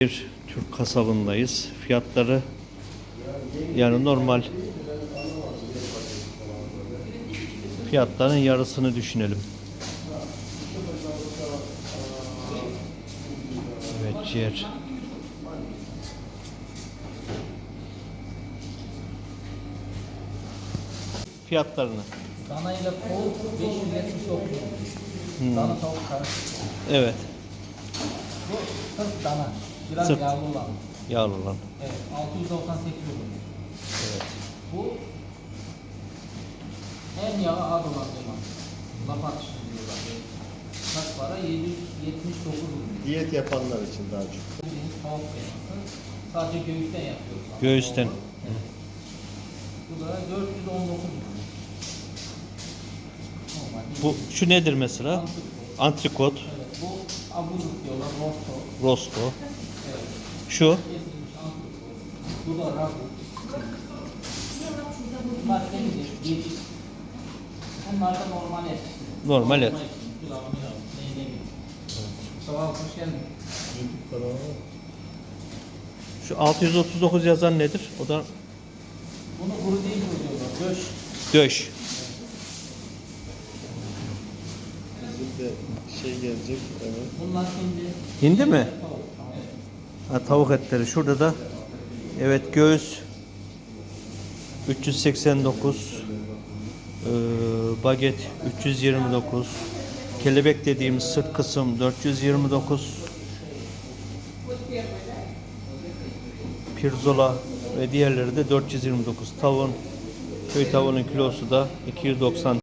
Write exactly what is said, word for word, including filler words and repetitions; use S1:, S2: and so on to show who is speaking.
S1: Bir Türk kasabındayız. Fiyatları yani normal fiyatların yarısını düşünelim. Evet, ciğer. Fiyatlarını.
S2: Dana ile tavuk beş yüz yetmiş dokuz.
S1: Hmm.
S2: Dana tavuk karışık.
S1: Evet.
S2: Bu sırf dana. Biraz
S1: Sırt.
S2: yağlı olan.
S1: Yağlı olan.
S2: Evet. altı yüz doksan sekiz olur.
S1: Evet.
S2: Bu en yağı az olan zaman. Laf atışı diyorlar. Kaç para? yedi yüz yetmiş dokuz olur.
S3: Diyet yapanlar için daha çok.
S2: Bildiğiniz tavuk kıyması. Sadece göğüsten yapıyoruz.
S1: Göğüsten.
S2: Evet. Bu da dört yüz on dokuz olur. Normal.
S1: Bu şu nedir mesela?
S2: Antrikot.
S1: Antrikot,
S2: Evet. Bu abuzluk diyorlar. Rosto.
S1: rosto.
S2: Evet.
S1: Şu
S2: Kesilmiş antrikot. Bu da ragu. Bunlar temizlik, geçiş. Bunlar da normal et.
S1: normal et.
S2: Pilav, pilav, neyine gibi. Sabah hoş geldin.
S3: YouTube kanalı
S1: Şu altı yüz otuz dokuz yazan nedir? O da
S2: Bunu kuru değil diyorlar. Göç.
S1: döş.
S3: bizim de şey gelecek. Evet.
S2: Bunlar şimdi...
S1: Hindi mi?
S2: Tavuk. Evet.
S1: Ha, tavuk etleri. Şurada da evet, göğüs üç yüz seksen dokuz, ee, baget üç yüz yirmi dokuz, kelebek dediğimiz sırt kısım dört yüz yirmi dokuz, pirzola ve diğerleri de dört yüz yirmi dokuz. Tavuğun köy tavuğunun kilosu da iki yüz doksan.